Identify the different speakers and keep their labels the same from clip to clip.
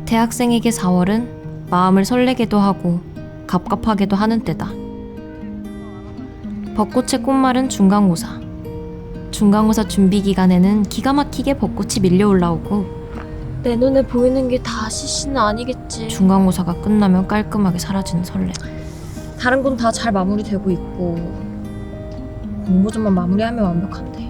Speaker 1: 대학생에게 4월은 마음을 설레게도 하고 갑갑하게도 하는 때다. 벚꽃의 꽃말은 중간고사. 중간고사 준비 기간에는 기가 막히게 벚꽃이 밀려 올라오고
Speaker 2: 내 눈에 보이는 게 다 CC는 아니겠지.
Speaker 1: 중간고사가 끝나면 깔끔하게 사라지는 설렘.
Speaker 2: 다른 건 다 잘 마무리되고 있고 공모전만 마무리하면 완벽한데.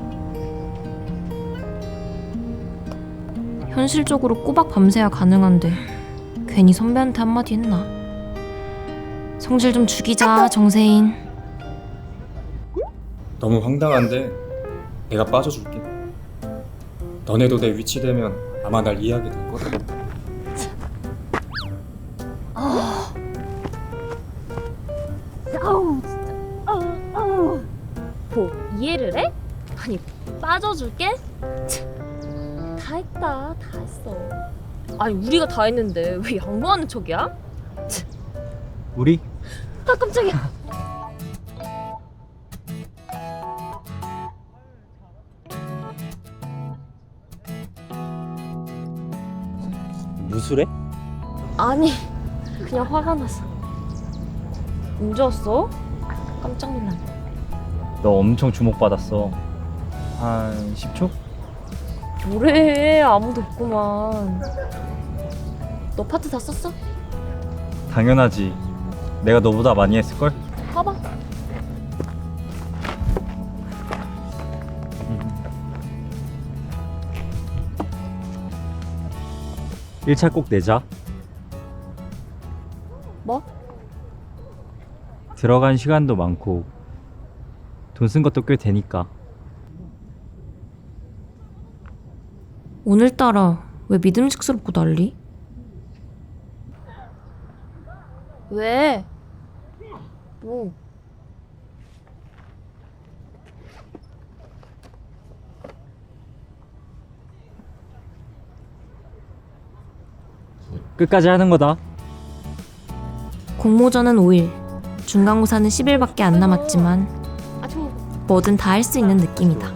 Speaker 1: 현실적으로 꼬박 밤새야 가능한데 괜히 선배한테 한마디 했나? 성질 좀 죽이자 정세인.
Speaker 3: 너무 황당한데 내가 빠져줄게. 너네도 내 위치 되면 아마 날 이해하게 될 거다.
Speaker 2: 뭐 이해를 해? 아니 빠져줄게? 다 했다. 다 했어. 아니 우리가 다 했는데 왜 양보하는 척이야?
Speaker 4: 우리?
Speaker 2: 아 깜짝이야.
Speaker 4: 무술해?
Speaker 2: 아니 그냥 화가 나서. 언제 왔어? 깜짝 놀랐네.
Speaker 4: 너 엄청 주목받았어. 한 10초?
Speaker 2: 뭐래, 아무도 없구만. 너 파트 다 썼어?
Speaker 4: 당연하지. 내가 너보다 많이 했을걸?
Speaker 2: 봐봐.
Speaker 4: 1차 꼭 내자.
Speaker 2: 뭐?
Speaker 4: 들어간 시간도 많고 돈 쓴 것도 꽤 되니까.
Speaker 1: 오늘따라 왜 믿음직스럽고 난리?
Speaker 2: 왜? 뭐?
Speaker 4: 끝까지 하는 거다.
Speaker 1: 공모전은 5일, 중간고사는 10일밖에 안 남았지만 뭐든 다 할 수 있는 느낌이다.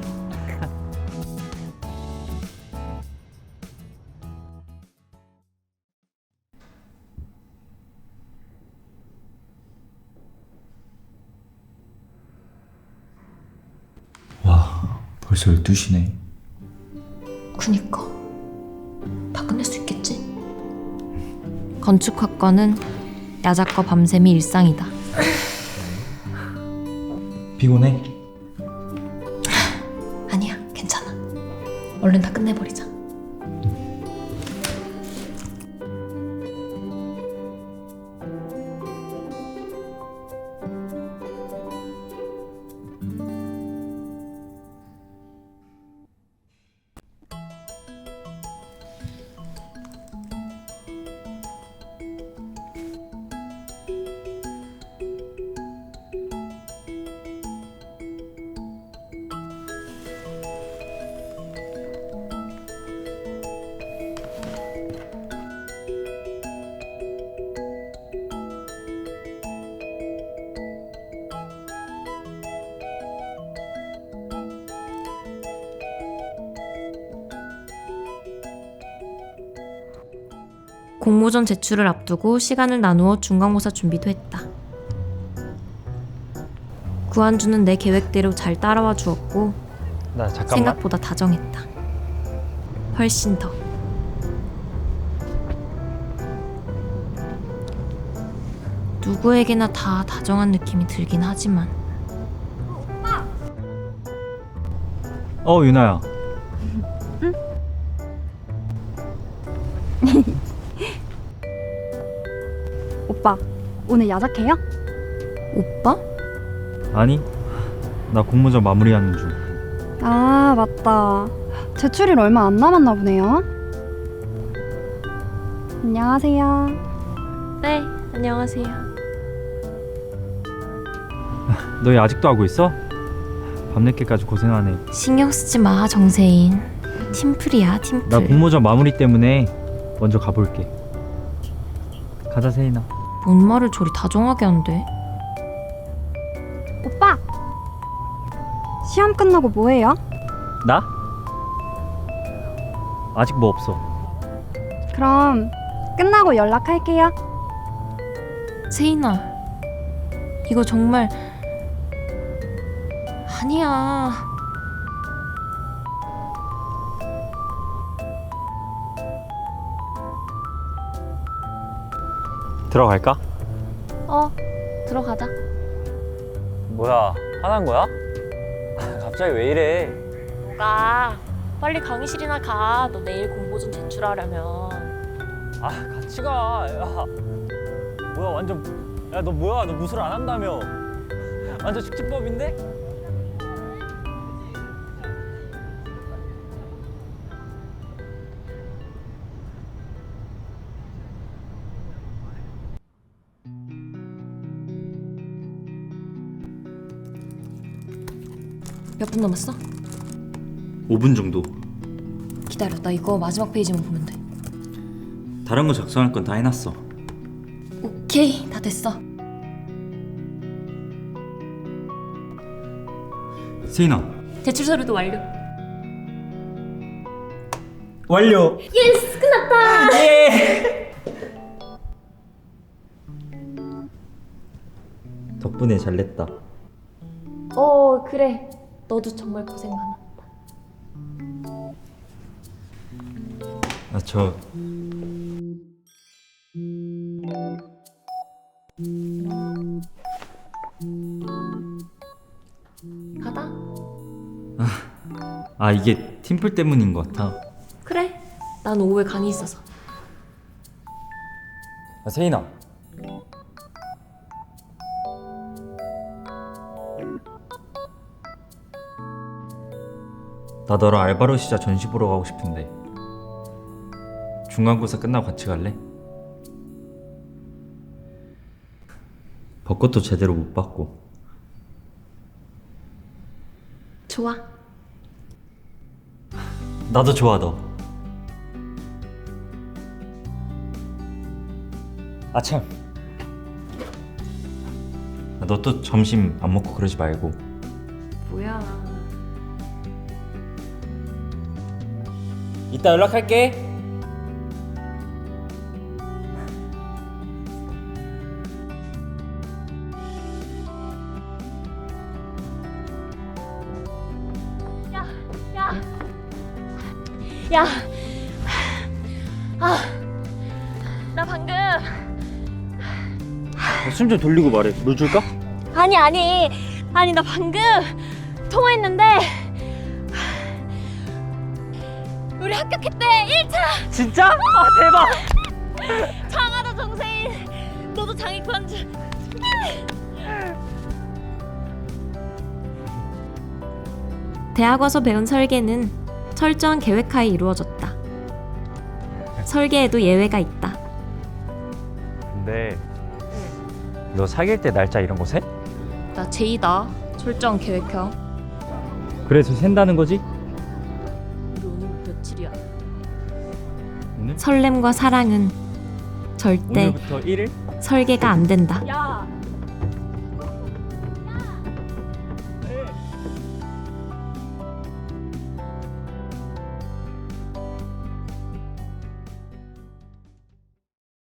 Speaker 3: 와, 벌써 12시네.
Speaker 1: 그니까 다 끝낼 수 있겠지? 건축학과는 야작과 밤샘이 일상이다.
Speaker 3: 피곤해?
Speaker 1: 아니야, 괜찮아. 얼른 다 끝내버리자. 공모전 제출을 앞두고 시간을 나누어 중간고사 준비도 했다. 구한주는 내 계획대로 잘 따라와 주었고
Speaker 4: 나 잠깐만.
Speaker 1: 생각보다 다정했다. 훨씬 더. 누구에게나 다 다정한 느낌이 들긴 하지만
Speaker 4: 유나야.
Speaker 5: 오빠, 오늘 야작해요?
Speaker 1: 오빠?
Speaker 4: 아니, 나 공모전 마무리하는 중.
Speaker 5: 아, 맞다. 제출일 얼마 안 남았나 보네요. 안녕하세요.
Speaker 2: 네, 안녕하세요.
Speaker 4: 너희 아직도 하고 있어? 밤늦게까지 고생하네.
Speaker 1: 신경 쓰지 마, 정세인. 팀플이야, 팀플.
Speaker 4: 나 공모전 마무리 때문에 먼저 가볼게. 가자, 세인아.
Speaker 1: 뭔 말을 저리 다정하게 한대?
Speaker 5: 오빠! 시험 끝나고 뭐 해요?
Speaker 4: 나? 아직 뭐 없어.
Speaker 5: 그럼 끝나고 연락할게요.
Speaker 1: 세인아, 이거 정말 아니야.
Speaker 6: 들어갈까?
Speaker 2: 들어가자.
Speaker 6: 뭐야, 화난 거야? 갑자기 왜 이래?
Speaker 2: 뭐가? 빨리 강의실이나 가. 너 내일 공보 좀 제출하려면.
Speaker 6: 아, 같이 가. 야, 뭐야, 완전. 야, 너 뭐야? 너 무술 안 한다며? 완전 숙지법인데?
Speaker 1: 몇 분 남았어?
Speaker 7: 5분 정도.
Speaker 1: 기다려, 나 이거 마지막 페이지만 보면 돼.
Speaker 7: 다른 거 작성할 건 다 해놨어.
Speaker 1: 오케이, 다 됐어.
Speaker 7: 세인아.
Speaker 1: 제출 서류도 완료.
Speaker 7: 완료.
Speaker 2: 예스! 끝났다!
Speaker 7: 덕분에 잘 냈다.
Speaker 2: 그래. 너도 정말 고생 많았다.
Speaker 7: 저
Speaker 2: 가다.
Speaker 7: 이게 팀플 때문인 것 같아.
Speaker 2: 그래. 난 오후에 강의 있어서.
Speaker 6: 세인아.
Speaker 7: 나 너랑 알바로 시작 전시 보러 가고 싶은데 중간고사 끝나고 같이 갈래? 벚꽃도 제대로 못 봤고.
Speaker 2: 좋아.
Speaker 7: 나도 좋아 너.
Speaker 6: 참.
Speaker 7: 너 또 점심 안 먹고 그러지 말고.
Speaker 2: 뭐야.
Speaker 6: 이따 연락할게.
Speaker 2: 야. 나 방금.
Speaker 6: 숨 좀 돌리고 말해. 물 줄까?
Speaker 2: 아니 나 방금 통화했는데 우리 합격했대. 1차.
Speaker 6: 진짜? 대박.
Speaker 2: 장하다 정세인. 너도 장애권 줄.
Speaker 1: 대학 와서 배운 설계는 철저한 계획하에 이루어졌다. 설계에도 예외가 있다.
Speaker 6: 근데 너 사귈 때 날짜 이런 거 세?
Speaker 2: 나 제이다. 철저한 계획형.
Speaker 4: 그래서 샌다는 거지?
Speaker 2: 우리 오늘 며칠이야?
Speaker 7: 오늘?
Speaker 1: 설렘과 사랑은 절대
Speaker 4: 오늘부터 1일?
Speaker 1: 설계가 안 된다.
Speaker 2: 야.